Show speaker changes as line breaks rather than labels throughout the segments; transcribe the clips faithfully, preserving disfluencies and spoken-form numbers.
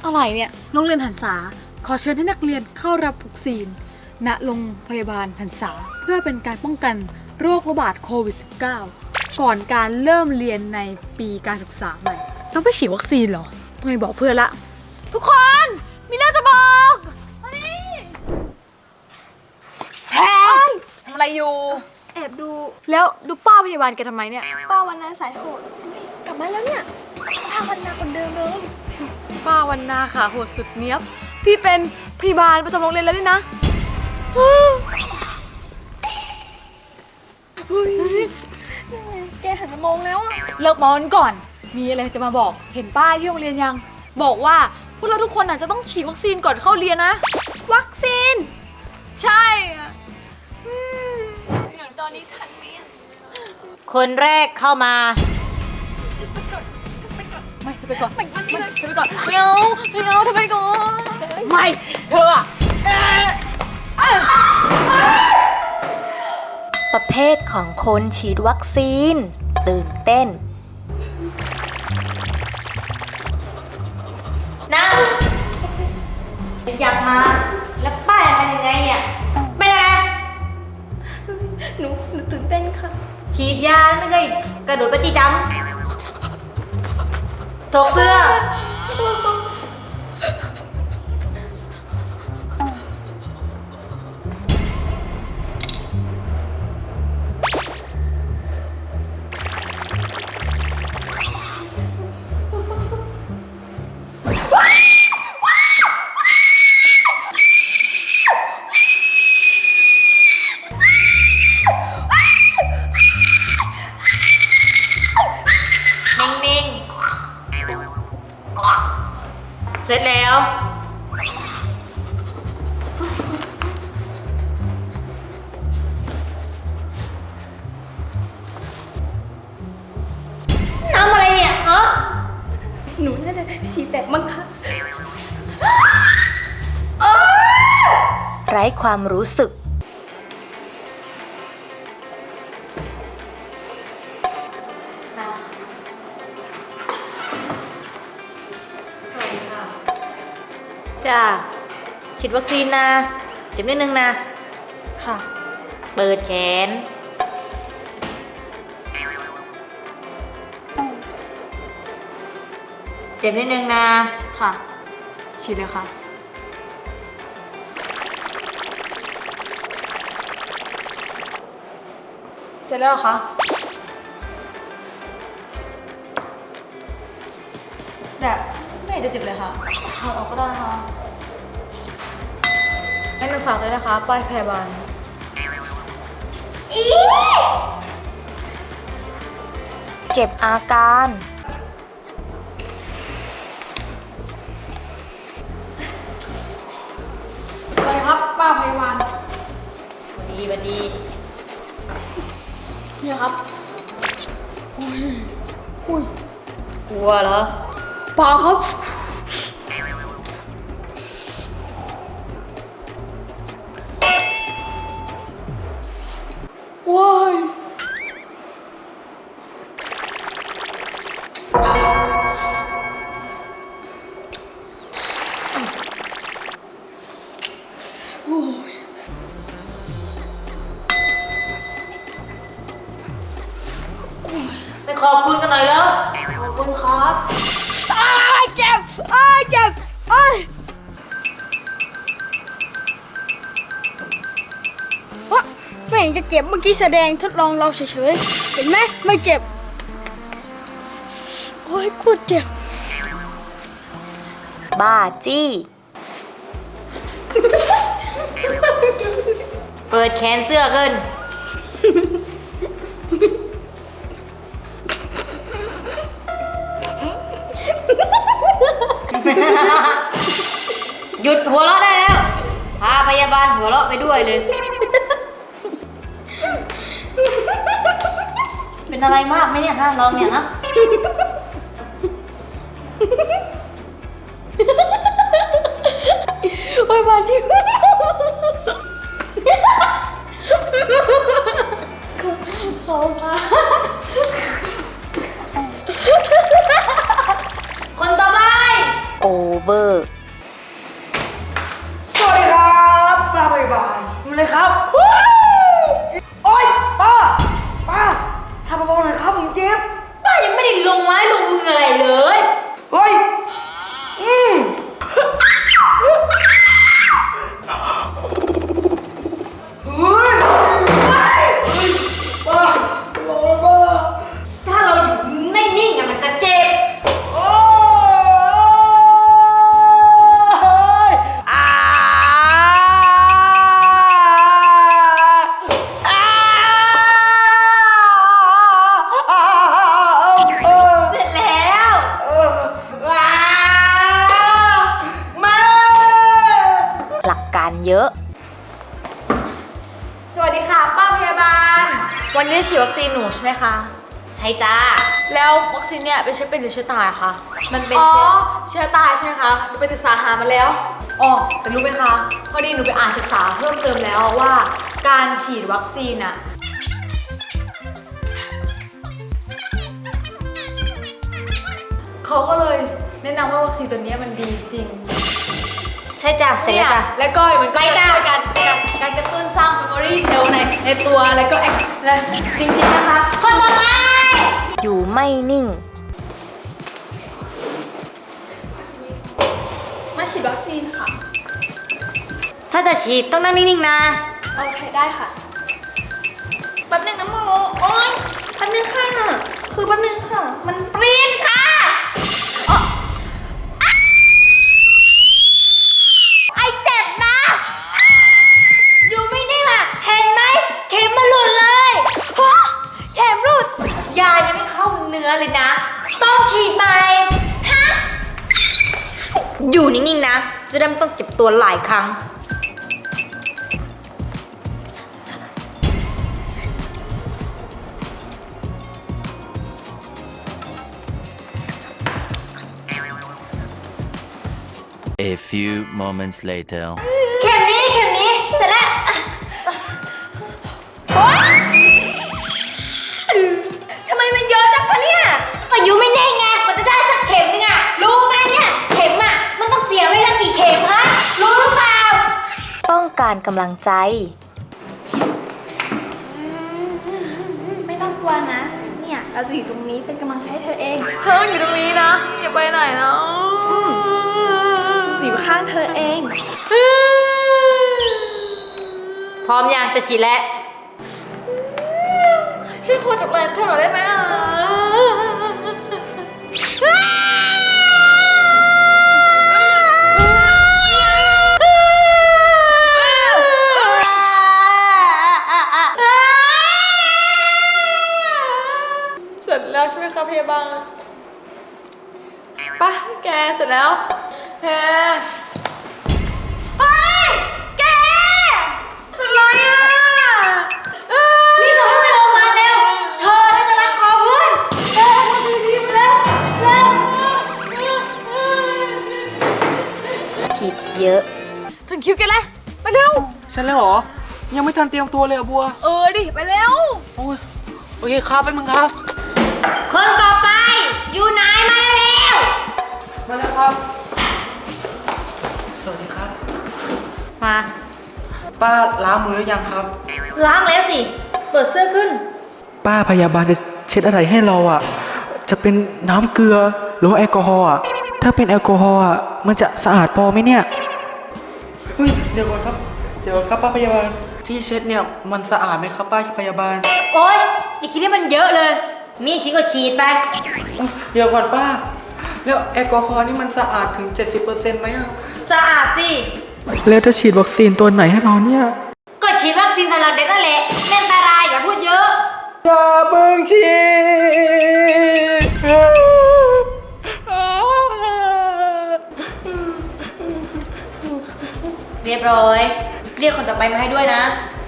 อะไรเนี่ยโรงเรียนหันษาขอเชิญให้นักเรียนเข้ารับวัคซีนณโรงพยาบาลหันษาเพื่อเป็นการป้องกันโรคระบาดโควิด สิบเก้า ก่อนการเริ่มเรียนในปีการศึกษาใหม่ต้องไปฉีดวัคซีนเหรอต้องไปบอกเพื่อนละทุกคนมีเรื่องจะบอกแพรทำอะไรอยู่
แอบดู
แล้วดูป้าพยาบาลแกทำไมเนี่ย
ป้าวันนาสายโหดกลับมาแล้วเนี่ยป้าวันนาคนเดิมเลย
ป้าวันนาค่ะโหดสุดเนี้ยบพี่เป็นพยาบาลประจำโรงเรียนแล้วนี่นะ
แกหันมามองแล้วอะ
เลิกมอนก่อนมีอะไรจะมาบอกเห็นป้ายที่โรงเรียนยังบอกว่าพวกเราทุกคนอ่ะจะต้องฉีดวัคซีนก่อนเข้าเรียนนะ
วัคซีน
ใช่
อย่างตอนนี้ทันไหม
คนแรกเข้ามา
ไม่เธอไปก่อน
ไม่เธอ
ไปก่อนไม่เอาไม่เอาเธอไปก่อนไม่เธออะ
ประเภทของคนฉีดวัคซีนตื่นเต้นนั่งอยากมาแล้วป้าจะทำยังไงเนี่ยเป็นอะไร
หนูหนูตื่นเต้นค่ะ
ฉีดยาไม่ใช่กระโดดประจีจำถกเสื้อนิ่งๆเสร็จแล้วน้ำอะไรเนี่ยฮะ
หนูน่าจะฉีดแตกมั้งคะ
ไร้ความรู้สึกจ้าฉีดวัคซีนนะเจ็บนิดนึงนะ
ค่ะ
เปิดแขนเจ็บนิดนึงนะ
ค่ะฉีดเลยค่ะเสร็จแล้วเหรอคะแบบไม่เห็นจะเจ็บเลยค่ะถอดออกก็ได้นะคะงั้นหนูฝากเลยนะคะป้ายพยาบาล
เก็บอาการ
อะไรครับป้าพยาบาล
สวัสดีสวัสดี
เนี่ยครับอุ้ยอุ้ย
กลัวเหรอ
เปล่าครับว้าย
ไปขอบคุณกันหน่อยแล้ว
ขอบคุณครับอ้ายเจ็บอ้ายเจ็บอ้าย
ว่าไม่เห็นจะเจ็บเมื่อกี้แสดงทดลองเราเฉยๆเห็นไหมไม่เจ็บโอ้ยกูเจ็บ
บ้าจี้เปิดแขนเสื้อขึ้นหยุดหัวเราะได้แล้วพาพยาบาลหัวเราะไปด้วยเลยเป็นอะไรมากไหมเนี่ยฮะลองเนี่ยฮะ
โอ้ยมาที่เขามา
คนต่อไปโอเวอร์
สวัสดีครับป้าพยาบาลมาเลยครับโอ๊ยป้าป้าทำเบาๆหน่อยครับผมเจ็บ
ป้ายังไม่ได้ลงไม้ลงมืออะไรเลย
เฮ้ยอืมเฮ้ยป้าป้าป้า
ถ้าเราอยู่ไม่นิ่งอะมันจะเจ็บ
โอ้ยอ่าอ่าอ่าเออ
เสร็จแล้ว
เอออ่ามา
หลักการเยอะ
สวัสดีค่ะป้าพยาบาล วันนี้ฉีดวัคซีนหนูใช่ไหมคะ
ใช่จ้า
แล้ววัคซีนเนี่ยเป็นเชื้อเป็นหรือเชื้อตายอะคะ
มันเป็น
อ๋อ
เชื้อ
เชื้อตายใช่ไหมคะหนูไปศึกษาหามาแล้วอ๋อแต่รู้ไหมคะพอดีหนูไปอ่านศึกษาเพิ่มเติมแล้วว่าการฉีดวัคซีนอะเขาก็เลยแนะนำว่าวัคซีนตัวเนี้ยมันดีจริง
ใช่จ้ะเสร็จแล้วจ้ะ
เนี่ยแล้วก็มันก็
ไป
จะ
จ้ะ
ช่วยการการการกระตุ้นสร้าง memory cell ในในตัวแล้วก็แอคและจริงๆนะคะ
คนต่อไป อยู่ไม่นิ่ง
มาฉีดวัคซีนค่ะ
ถ้าจะฉีดต้องนั่งนิ่งๆนะ
โอเคได้ค่ะแป๊บนึงนะหมอโอ๊ยแป๊บนึงค่ะ คือแป๊บนึงค่ะ มัน
ปรีนค่ะไอเจ็บนะ อยู่ไม่นิ่งล่ะ เห็นไหม เข็มมาหลุดเลยฮะเข็มหลุด ยายังไม่เข้าเนื้อเลยนะ ต้องฉีดใหม่ ฮะ อยู่นิ่งๆนะ จะได้ไม่ต้องเจ็บตัวหลายครั้ง
A few moments later.
เข็มนี้เข็มนี้ เสร็จแล้วโอ๊ยทำไมมันเยอะจังคะเนี่ยอายุไม่แน่ไงมันจะได้สักเข็มนึงอะรู้ไหมเนี่ย เข็มอะมันต้องเสียไว้ตั้งกี่เข็มฮะ รู้หรือเปล่า ต้องการกำลังใจ
ไม่ต้องกลัวนะ เนี่ยเราจะอยู่ตรงนี้เป็นกำลังใจให้เธอเอง
เพิ่งอยู่ตรงนี้นะอย่าไปไหนนะ
อยู่ข้างเธอเอง
พร้อมยังจะฉีดแล้ว
ช่วยพูดจากแรงเธอหน่อยได้ไหมอ่ะเสร็จแล้วใช่ไหมคะพยาบาลไป่ะแกเสร็จแล้วแกเฮ้ยแกเป็นไรอ่ะ
รีบบอกให้ไปโรงพยาบาลเร็ว เธอน่าจะรัดคอเพื่อนเร็วรีบๆเร็วเร็วคิดเยอะ
ถึงคิวแกแล้วไปเร็ว
เสร็จแล้วเหรอ ยังไม่ทันเตรียมตัวเลยอะบัว
เออดิ ไปเร็ว
โอ้ยโอเคครับไปมึงครับ
คนต่อไป อยู่ไหนมาเร็ว
มาแล้วครับ สวัสดีครับ
มา
ป้าล้างมือหรือยังครับ
ล้างแล้วสิ เปิดเสื้อขึ้น
ป้าพยาบาลจะเช็ดอะไรให้เราอ่ะ จะเป็นน้ำเกลือหรือว่าแอลกอฮอล์อ่ะ ถ้าเป็นแอลกอฮอล์อ่ะ มันจะสะอาดพอไหมเนี่ย เฮ้ย เดี๋ยวก่อนครับ เดี๋ยวครับป้าพยาบาล ที่เช็ดเนี่ยมันสะอาดไหมครับป้าพยาบาล
โอ๊ย อย่าคิดให้มันเยอะเลย มีฉีดก็ฉีดไป
อุ๊ยเดี๋ยวก่อนป้า แล้วแอลกอฮอล์นี่มันสะอาดถึง เจ็ดสิบเปอร์เซ็นต์ ไหมอ่ะ
สะอาดสิ
แล้วจะฉีดวัคซีนตัวไหนให้เราเนี่ย
ก็ฉีดวัคซีนสำหรับเด็กนั่นแหละไม่อันตรายอย่าพูดเยอะ
อย่าเพิ่งฉีด
เรียบร้อย เรียกคนต่อไปมาให้ด้วยนะ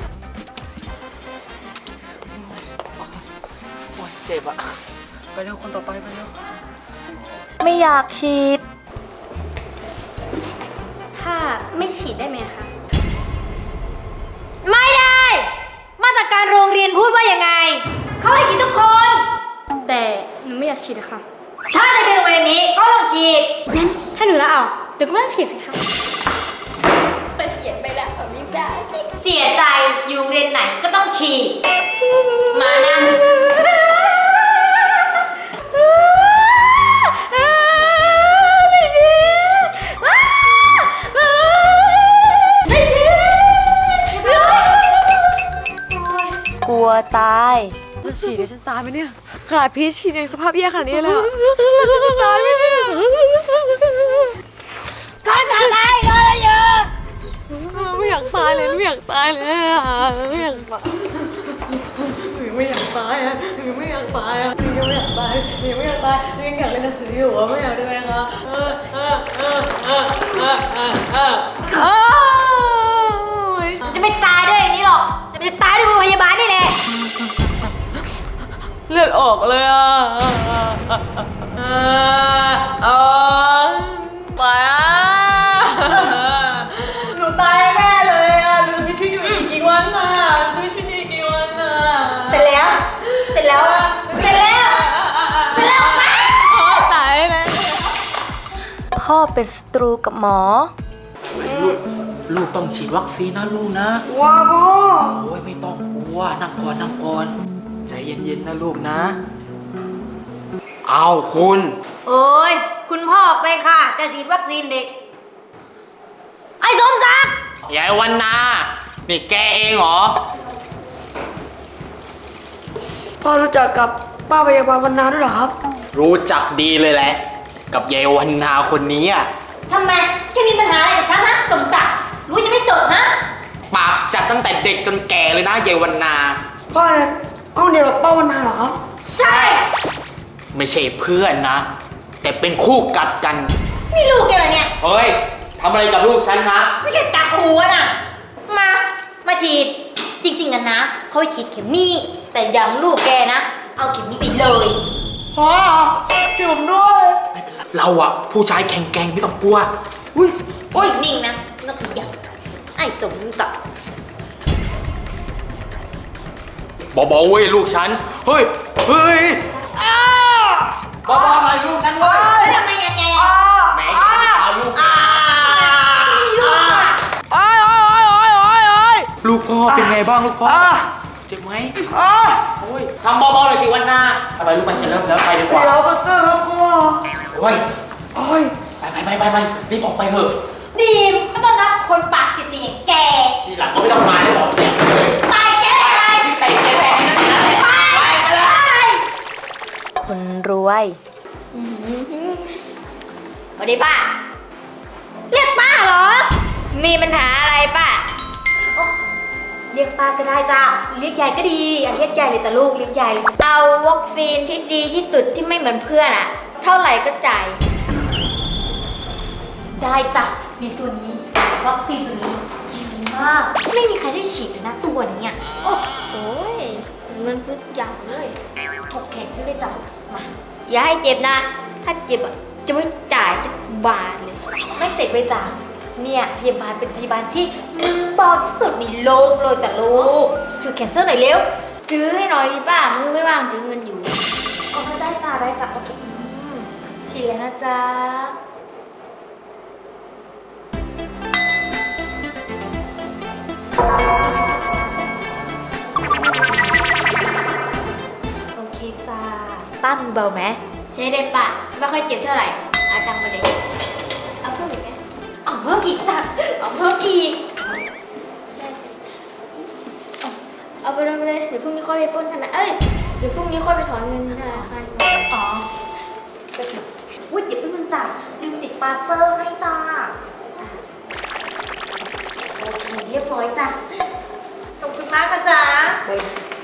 โอ้ยเจ็บอ่ะ ไปเร็วคนต่อไปไปเร็ว
ไม่อยากฉีด
ถ้าไม่ฉีดได้ไหมคะ
ไม่ได้ มาตรการโรงเรียนพูดว่ายังไง เขาให้ฉีดทุกคน
แต่หนูไม่อยากฉีดอะค่ะ
ถ้าจะเรียนโรงเรียนนี้ก็ต้องฉีด
งั้นถ้าหนูละเอา
ไเดี๋ยวก็ไม่ต้องฉีดสิคะไปเขียนไปแล้วแบบนี้ได้เสียใจอยู่เรียนไหนก็ต้องฉีดมานั่งไม่ฉีดไม่ฉีดกลัวตาย
จะฉีดเดี๋ยวฉันตายไหมเนี่ยขนาดพีชฉีดยังสภาพแย่ขนาดนี้เลยอะฉันจะตายไหมเนี่ย
ก็จะตายก็เลยเยอะ
ไม่อยากตายเลยไม่อยากตายเลยอะไม่อยากตายไม่อยากตายอะไม่อยากตายอะยังไม่อยากตายยังไม่อยากตายยังอยากเรียนหนังสืออยู่อะไม่อยากได้ไหมคะเออเออเออเออเออเออเออเออ
จะไม่ตายด้วยอย่างนี้หรอกจะตายด้วยโรงพยาบาลนี่แหละ
เลือดออกเลยอ่ะเออตายอ่ะหนูตายแน่เลยอ่ะหนูจะมีชีวิตอยู่อีกกี่วันอ่ะจะมีชีวิตอยู่อีกกี่วันอ่ะ
เสร็จแล้ว เสร็จแล้ว เสร็จแล้ว เสร็จแล้วมา
ตายนะ
พ่อเป็นศัตรูกับหมอ
ลูกลูกต้องฉีดวัคซีนนะลูกนะ
ว้าพ่อ
โอ้ยไม่ต้องกลัวนั่งก่อนนั่งก่อนใจเย็นๆนะลูกนะ เอาคุณ
โอ้ย คุณพ่อไปค่ะ จะฉีดวัคซีนเด็ก ไอ้สมศักดิ์
ยายวันนา นี่แกเองเหรอ
พ่อรู้จักกับป้าพยาบาลวันนาด้วยเหรอครับ
รู้จักดีเลยแหละ กับยายวันนาคนนี้อ่ะ
ทำไมแกมีปัญหาอะไรกับฉันนะสมศักดิ์รู้จะไม่จบนะ
ปากจัดตั้งแต่เด็กจนแก่เลยนะยายวันนา
พ่อเนี่ยห้องเดียวกับป้าวันนาเหรอครับ
ใช่
ไม่ใช่เพื่อนนะ แต่เป็นคู่กัดกัน
นี่ลูกแกเหรอเนี่ย
เฮ้ยทำอะไรกับลูกฉันนะ
จะแกกัดหัวน่ะ มา มาฉีด จริงๆกันนะ เขาไปฉีดเข็มนี่ แต่อยังลูกแกนะ เอาเข็มนี้ไปเลย
พ่อช่วยผมด้วย
เราอะผู้ชายแข็งแกร่งไม่ต้องกลัว
อุ้ยโอ้ย
นิ่งนะไม่ต้องขยับไอ้สมศักดิ์
เบาๆเว้ยลูกฉัน เฮ้ย เฮ้ยเบาๆหน่อยลูกฉันเว้ย
แล้วทำไมยังไงอ่ะ
แหมอย่าไปเอาลูก
ไม่มีลูกอ่ะ
ลูกพ่อเป็นไงบ้างลูกพ่อ เจ็บไหมโอ้ยทำเบาๆหน่อยสิวันหน้าไปลูกไปเสร็จแล้วแล้วไปดีกว่า
เดี๋ยวปัตเตอร์ครับพ่อ
โอ้ย
โอ้ย
ไปไปไปไปไปรีบออกไปเถอะ
ดีมไม่ต้องรับคนปากเสียๆอย่างแก
ทีหลังก็ไม่ต้องมาได้หรอกเนี่ยเลย
ไปแกได้ไป
นี่ใส่แกแต่นี่นั่นนั่นเลย
ไป
ไปไปเลย
คนรวยสวัสดีป้า เรียกป้าเหรอ มีปัญหาอะไรป้า เรียกป้าก็ได้จ้าเรียกยายก็ดีอย่าเรียกยายเลยจ้ะลูกเรียกยายเลย
เอาวัคซีนที่ดีที่สุดที่ไม่เหมือนเพื่อนอะเท่าไหร่ก็จ่าย
ได้จ้ะมีตัวนี้วัคซีนตัวนี้ดีมาก ไม่มีใครได้ฉีดเลยนะตัวนี้อ่ะ
โอ้โหเงินซื้อทุกอย่างเลย
ถกแขนขึ้นเลยจ้ะมา
อย่าให้เจ็บนะ ถ้าเจ็บอะจะไม่จ่ายสักบาทเลย
ไม่เจ็บเลยจ้ะเนี่ยพยาบาลเป็นพยาบาลที่มือเบาที่สุดในโลกเลยจ้ะลูกถือแขนเสื้อหน่อยเร็ว
ถือให้หน่อยดิป้า มือไม่ว่างถือเงินอยู่
โอเคได้จ้ะได้จ้ะโอเคอืมฉีดแล้วนะจ๊ะโอเคจ้าป้ามือเบาไหม
ใช้ได้ป้า ไม่ค่อยเจ็บเท่าไหร่เอาตังค์ไปเลย เอาเพิ่มอีกไหม
เอาเพิ่มอีกจ้ะเอาเพิ่มอีก
เอาไปเลยไปเลยเดี๋ยวพรุ่งนี้ค่อยไปปล้นธนาคารเอ้ยเดี๋ยวพรุ่งนี้ค่อยไปถอนเงินธนาคาร
อ๋อก็ถึงวุ้ยเดี๋ยวเป็นมึงจ้ะลืมติดปาเตอร์ให้จ้าอ่ะโอเคเรียบร้อยจ้ะขอบคุณมากนะจ๊ะ